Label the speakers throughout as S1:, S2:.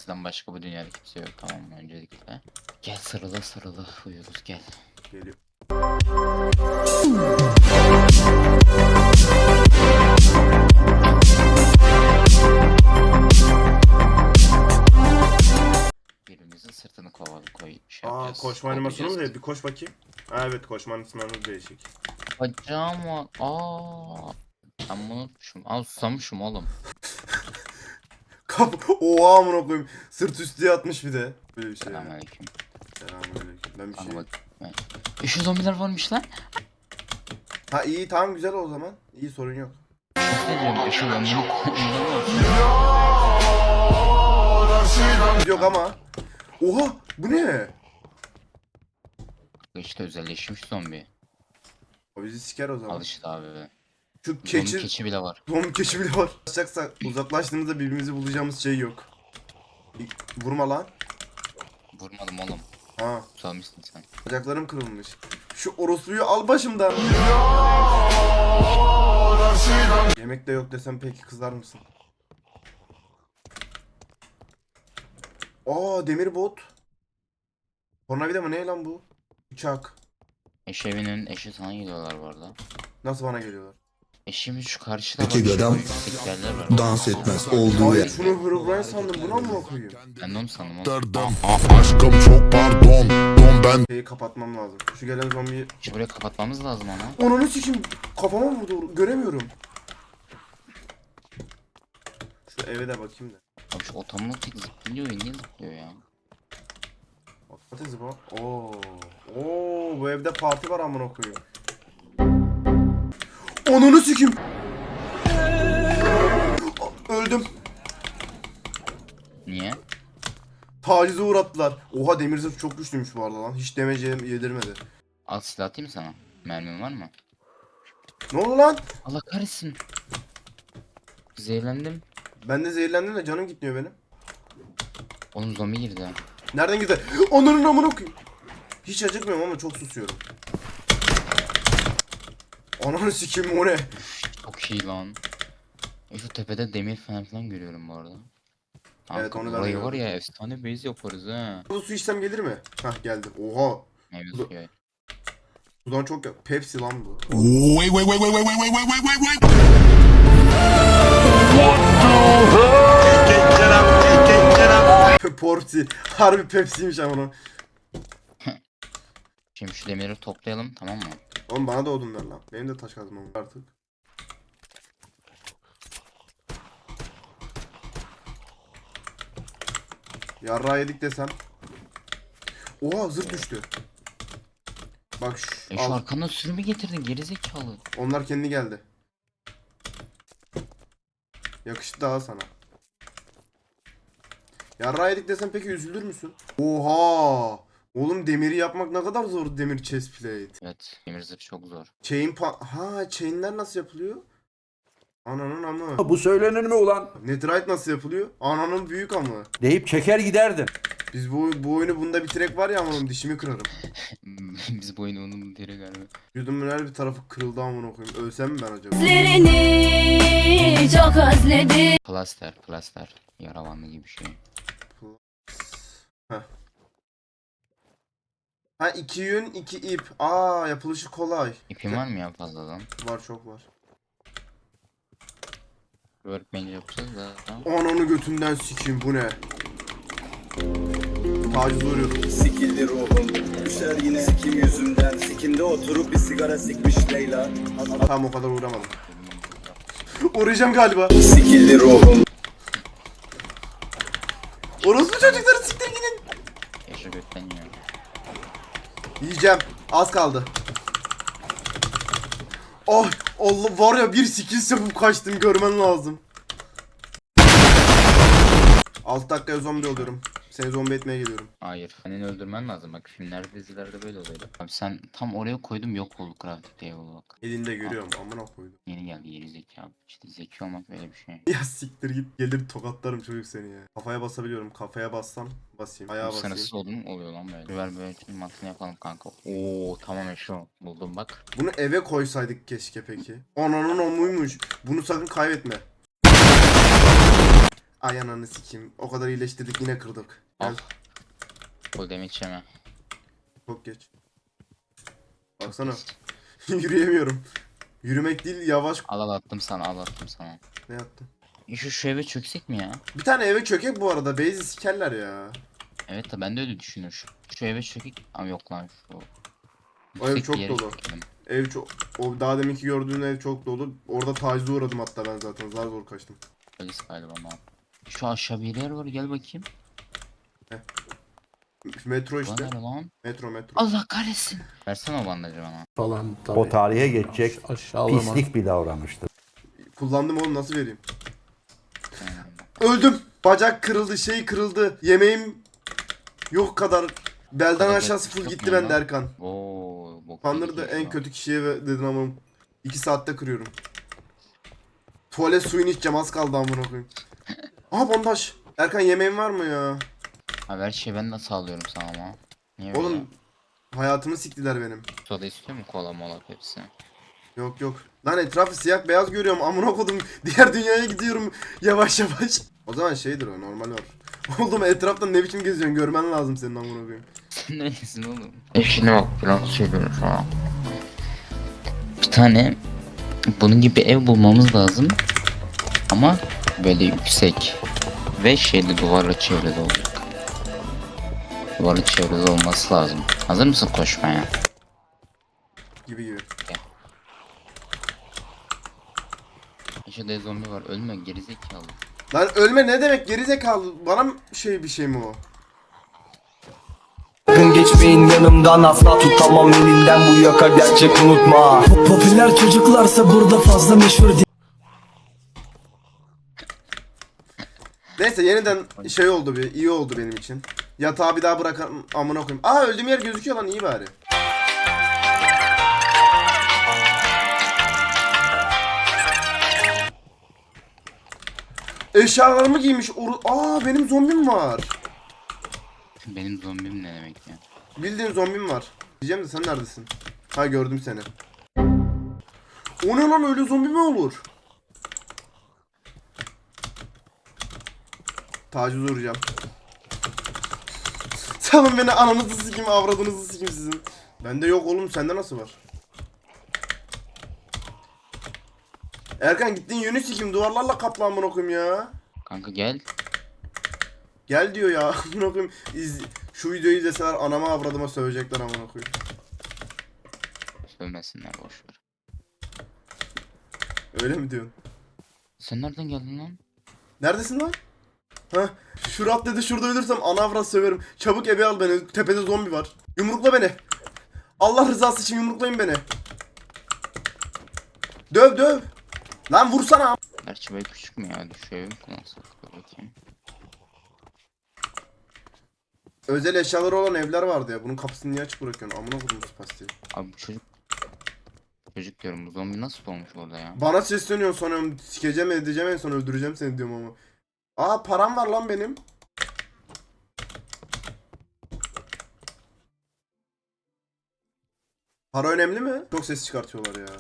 S1: Sizden başka bu dünyada kimse yok, tamam mı, öncelikle. Gel sarıla sarıla uyuyoruz, gel.
S2: Geliyor.
S1: Birbirimizin sırtını koy
S2: Aa,
S1: yapacağız.
S2: koşma animasyonu mu?
S1: Kovalayacağız.
S2: Bir koş bakayım. Ha, evet, koşma animasyonu değişik.
S1: Bacağım var. Ben bunu unutmuşum. Susamışım oğlum.
S2: Oha, amına koyayım. Sırt üstü yatmış bir de. Böyle bir şey.
S1: Selamünaleyküm.
S2: Selamünaleyküm. Ben bir şey.
S1: Kanka bak. Şu zombiler varmış lan.
S2: Ha, iyi, tamam, güzel o zaman. İyi, sorun yok.
S1: Ne diyorum? Şu zombiler.
S2: Yok ama. Oha, bu ne?
S1: İşte özelleşmiş zombi.
S2: O bizi siker o zaman.
S1: Al işte abi.
S2: Şu
S1: Zombi
S2: keçi.
S1: keçi bile var.
S2: Zombi keçi bile var. Uzaklaştığımızda birbirimizi bulacağımız şey yok. Vurma lan.
S1: Vurmadım oğlum.
S2: Ha,
S1: Susamışsın sen.
S2: bacaklarım kırılmış. Şu orospuyu al başımdan. Yemek de yok desem peki kızar mısın? Aa, demir bot. Tornavida mı, ne lan bu? Uçak.
S1: Evinin eşi sana geliyorlar bu arada.
S2: Nasıl bana geliyorlar?
S1: Eşimiz şu karşıda
S3: İki
S1: bak, şu
S3: gödem
S1: yüksek yerler var.
S3: dans etmez olduğu
S2: Hayır,
S3: yer.
S2: şunu Herobrine sandım, buna mı koyayım?
S1: Ben de onu sandım oğlum.
S3: Dırdım. Aşkım çok pardon. Don ben.
S2: Şeyi kapatmam lazım. Şu gelen zombiyi...
S1: Şu buraya kapatmamız lazım onu.
S2: Ananı sikeyim, kafama vurdu, göremiyorum. Şu eve de bakayım da.
S1: Abi şu otomatik zıplıyor ya, niye zıplıyor ya?
S2: Patates bu. Oo, bu evde parti var amına koyayım. Ananı sikeyim. Öldüm.
S1: Niye?
S2: Tacize uğrattılar. Oha, demir zırh çok güçlüymüş bu arada lan. Hiç demece yedirmedi.
S1: Al silah atayım mı sana? Mermin var mı?
S2: Ne oldu lan?
S1: Allah kahretsin. Zehirlendim.
S2: Ben de zehirlendim de canım gitmiyor benim.
S1: Oğlum zombi girdi.
S2: Nereden gitti? Ananın amına koyayım. Hiç acıkmıyorum ama çok susuyorum. Ananı sikeyim, o ne?
S1: Çok iyi lan. Şu tepede demir falan görüyorum bu arada. Kanka,
S2: Evet, onu ben de
S1: burayı var
S2: gördüm.
S1: ya, efsane base yaparız ha.
S2: Bu su içsem gelir mi? Hah, geldi. Oha.
S1: Meyve
S2: Bu-
S1: suyu.
S2: Sudan çok ya. Pepsi lan bu.
S3: Wait wait wait wait wait wait wait wait wait wait.
S2: Porti. Harbi Pepsi'ymiş ama onu.
S1: Şimdi şu demiri toplayalım, tamam mı?
S2: Oğlum bana da odun ver lan. Benim de taş kazmam var artık. Yarrağı yedik desem. Oha, zırt düştü. Bak şu,
S1: Şu
S2: al.
S1: arkandan sürümü getirdin gerizekalı.
S2: Onlar kendi geldi. Yakıştı daha sana. Yarrağı yedik desem peki üzülür müsün? Oha! Oğlum, demiri yapmak ne kadar zor, demir chest plate.
S1: Evet, demir zırh çok zor.
S2: Chainler nasıl yapılıyor? Ananın amı.
S4: Bu söylenir mi ulan?
S2: Netherite nasıl yapılıyor? Ananın büyük amı.
S4: Deyip çeker giderdin.
S2: Biz bu oyunu bunda bitirek var ya, amanım dişimi kırarım.
S1: Biz bu oyunu onun deri galiba.
S2: Yüzümün her bir tarafı kırıldı amına koyayım. Ölsem mi ben acaba?
S5: Gözlerini çok özledim.
S1: Plaster. Yaravanlı gibi bir şey.
S2: Ha, 2 yün 2 ip. Yapılışı kolay.
S1: İpin var mı ya fazladan?
S2: Var, çok var.
S1: Workbench yapacağız da. Tamam.
S2: Ananı götünden sikeyim, bu ne? Taciz uğruyor.
S6: Sikildi ruhum, düşer yine sikim yüzünden. Sikimde oturup bir sigara sikmiş Leyla.
S2: Tamam, o kadar uğramadım. Uğrayacağım galiba.
S6: Sikildi ruhum.
S2: Orospu çocukları, siktir gidin.
S1: Yaşa gökten ya.
S2: Yiyeceğim. Az kaldı. Oh Allah, var ya, bir skill yapıp kaçtım, görmen lazım. 6 dakikaya zombi oluyorum. Seni zombi etmeye geliyorum.
S1: Hayır. Senin öldürmen lazım. Bak filmlerde, dizilerde böyle oluyordu. Abi sen tam oraya koydum, yok oldu crafting table bak.
S2: Elinde görüyorum, amına koydum.
S1: Yeni geldi geri zekalı. İşte zeki olmak böyle bir şey.
S2: Ya siktir git, gelir tokatlarım çocuk seni ya. Kafaya basabiliyorum, kafaya bassam basayım. Ayağa
S1: Bu
S2: basayım.
S1: sınırsız oldu mu? Oluyor lan böyle. Ver böyle mantığını yapalım kanka. Oo tamam şu buldum bak.
S2: Bunu eve koysaydık keşke peki. Ananın omuymuş. Bunu sakın kaybetme. Ay ananı sikeyim. O kadar iyileştirdik yine kırdık. Gel.
S1: Al. O demek yeme.
S2: Çok geç. Baksana. Yürüyemiyorum. Yürümek değil yavaş.
S1: Al attım sana, al attım sana.
S2: Ne yaptım?
S1: Şu eve çöksek mi ya?
S2: Bir tane eve çökek bu arada. Base'i sikerler ya.
S1: Evet de ben de öyle düşünüyorum. Şu eve çökek. Ama yok lan şu.
S2: O ev
S1: yüksek
S2: çok
S1: bir yere
S2: dolu.
S1: çökelim.
S2: Ev çok... O daha deminki gördüğün ev çok dolu. Orada tacize uğradım hatta ben zaten. Zar zor kaçtım.
S1: Polis galiba ama. Şu aşağı bir yer var, gel bakayım.
S2: Metro
S1: Ulan
S2: işte.
S1: nere lan?
S2: Metro.
S1: Allah kahretsin. Versene o bandajı bana.
S7: Falan tabii.
S4: O tarihe geçecek
S7: Aşağılama.
S4: pislik bir davranıştır.
S2: Kullandım oğlum, nasıl vereyim? Öldüm. Bacak kırıldı, şey kırıldı. Yemeğim yok kadar. Belden
S1: Kadar
S2: aşağısı full
S1: yok
S2: gitti
S1: mu
S2: bende
S1: lan?
S2: Erkan.
S1: Oo, bok
S2: Kandırdı
S1: yedik
S2: en
S1: ya.
S2: kötü kişiye dedin ama 2 saatte kırıyorum. Tuvalet suyunu içeceğim, az kaldı amına koyayım. Aha bandaj. Erkan yemeğin var mı ya?
S1: Abi her şeyi ben de sağlıyorum sana ama. Niye böyle?
S2: Oğlum hayatımı siktiler benim.
S1: Soda istiyor mu, kola mola hepsi?
S2: Yok yok. Lan etrafı siyah beyaz görüyorum, amına kodum. Diğer dünyaya gidiyorum yavaş yavaş. O zaman şeydir, o normal var. Oğlum etrafta ne biçim geziyorsun, görmen lazım senin amına koyayım.
S1: Sen neredesin oğlum? Eşine bak falan söylüyorum sana. Bir tane bunun gibi ev bulmamız lazım. Ama böyle yüksek. Ve şeyde duvarla çevrili olacak. Duvarla çevrili olması lazım. Hazır mısın koşmaya?
S2: Gibi.
S1: İçeride zombi var, ölme gerizekalı.
S2: Lan ölme ne demek gerizekalı? Bana mı bir şey mi o?
S8: Sakın geçmeyin yanımdan, asla tutamam elinden, bu yaka gerçek unutma. Popüler çocuklarsa burada fazla meşhur değil.
S2: Neyse yeniden şey oldu, bir iyi oldu benim için. Yatağı bir daha bırakan amına koyayım. Aa öldüğüm yer gözüküyor lan, iyi bari. Eşyalarımı giymiş. Aa benim zombim var.
S1: Benim zombim ne demek ya?
S2: Bildiğin zombim var. Diyeceğim de sen neredesin? Ha gördüm seni. O ne lan, öyle zombi mi olur? Taciz uğrayacağım. Salın beni, ananızı sikeyim, avradınızı sikeyim sizin. Bende yok oğlum, sende nasıl var? Erkan gittin yönü sikeyim, duvarlarla kaplı amına koyayım ya.
S1: Kanka gel.
S2: Gel diyor ya amına koyayım. Şu videoyu izleseler anama avradıma sövecekler amına koyayım.
S1: Sövmesinler, boşver.
S2: Öyle mi diyorsun?
S1: Sen nereden geldin lan?
S2: Neredesin lan? Hah. Şurat dedi, şurada ölürsem ana avrat söverim. Çabuk eve al beni. Tepede zombi var. Yumrukla beni. Allah rızası için yumruklayın beni. Döv. Lan vursana.
S1: Gerçi böyle küçük mü ya? Şu evi mi kullansak? Dur bakayım.
S2: Özel eşyaları olan evler vardı ya. Bunun kapısını niye açık bırakıyorsun? Amına koydum pastiyi.
S1: Abi bu çocuk... Çocuk diyorum, bu zombi nasıl olmuş orada ya?
S2: Bana sesleniyorsun sonra, sikeceğim edeceğim, en son öldüreceğim seni diyorum ama. Aa param var lan benim. Para önemli mi? Çok ses çıkartıyorlar ya.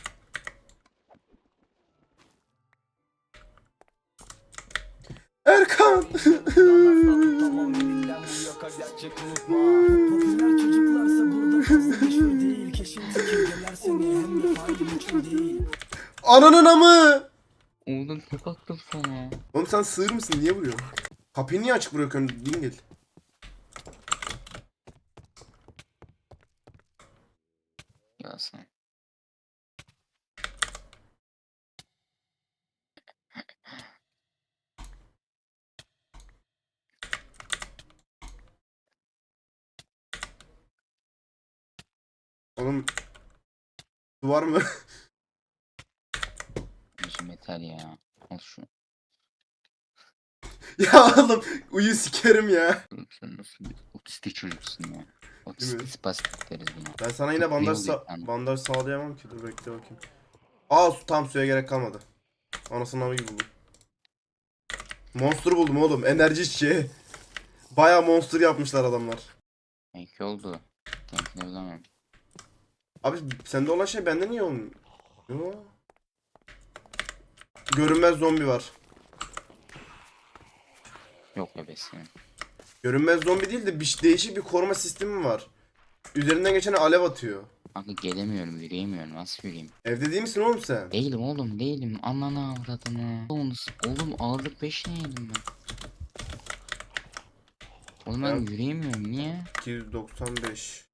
S2: Erkan.
S8: Tutamam elinden, bu yaka gerçek unutma. Popüler çocuklarsa burada fazla meşhur değil. Keşin tekirdeyler seni, hem de faili meçhul değil.
S2: Ananın amı.
S1: Oğlum tek attım sana.
S2: Oğlum sen sığır mısın? Niye vuruyorsun? Kapıyı niye açık bırakıyorsun? Dingil.
S1: Ya sen.
S2: Oğlum. Duvar mı?
S1: Bizim yeter ya. Al şu.
S2: Ya oğlum uyu sikerim ya.
S1: Oğlum sen nasıl bir otistik çocuksun ya.
S2: Değil mi?
S1: Otistik spastik deriz buna.
S2: Ben sana yine
S1: Çok
S2: bandaj,
S1: iyi oldu yani.
S2: bandaj sağlayamam ki. Dur bekle bakayım. Aa tam suya gerek kalmadı. Anasını avı gibi buldum. Monster buldum oğlum. Enerji içeceği. Baya monster yapmışlar adamlar.
S1: İyi oldu. Temkinli bilemem.
S2: Abi sende olan şey bende niye olmuyor? Yo. Görünmez zombi var.
S1: Yok ebesini.
S2: Görünmez zombi değil de değişik bir koruma sistemi var. Üzerinden geçen alev atıyor.
S1: Kanka gelemiyorum, yürüyemiyorum. Nasıl yürüyeyim?
S2: Evde değil misin oğlum sen?
S1: Değilim oğlum, değilim. Ananı avradını. Oğlum ağırlık 5 ne yedim ben? Oğlum ben
S2: Ya-
S1: yürüyemiyorum. Niye?
S2: 295.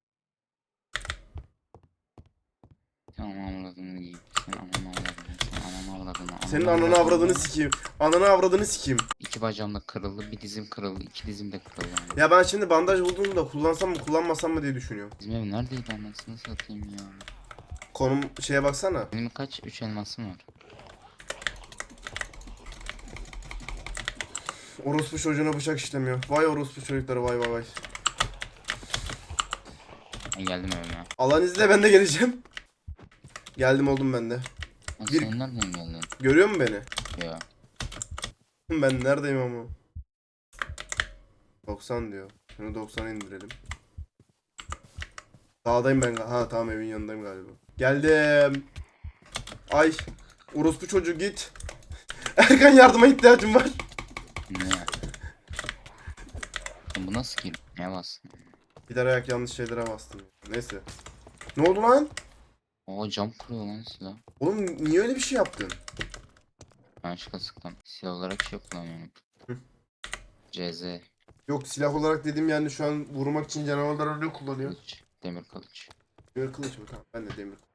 S1: Sen ananı avradını yiyeyim. Sen ananı avradını. Sen ananı avradını.
S2: Senin ananı avradını sikeyim. Ananı avradını sikeyim.
S1: İki bacağım da kırıldı, bir dizim kırıldı, iki dizim de kırıldı. Yani.
S2: Ya ben şimdi bandaj buldum da kullansam mı kullanmasam mı diye düşünüyorum.
S1: Bizim ev neredeydi anasını satayım ya.
S2: Konum şeye baksana.
S1: Benim kaç? 3 elmasım var.
S2: Orospu çocuğuna bıçak işlemiyor. Vay orospu çocukları vay vay vay.
S1: Ben geldim evime.
S2: Allah'ın izniyle ben de geleceğim. Geldim oldum ben de.
S1: Lan
S2: Bir-
S1: sen nereden geldin?
S2: Görüyor musun beni?
S1: Ya.
S2: Ben neredeyim ama? 90 diyor. Şunu 90'a indirelim. Dağdayım ben. Ha tamam evin yanındayım galiba. Geldim. Ay. Orospu çocuğu git. Erkan yardıma ihtiyacım var.
S1: Ne ya? Lan bu nasıl ki? Ne bastın?
S2: Gider ayak yanlış şeylere bastım. Neyse. Ne oldu lan?
S1: Oo cam kuruyor lan silah.
S2: Oğlum niye öyle bir şey yaptın?
S1: Ben şıkka sıktım. Silah olarak şey kullanıyorum.
S2: Hı.
S1: CZ.
S2: Yok silah olarak dediğim yani şu an vurmak için canavarlar öyle kullanıyor.
S1: Kılıç. Demir kılıç.
S2: Demir kılıç mı? Tamam ben de demir.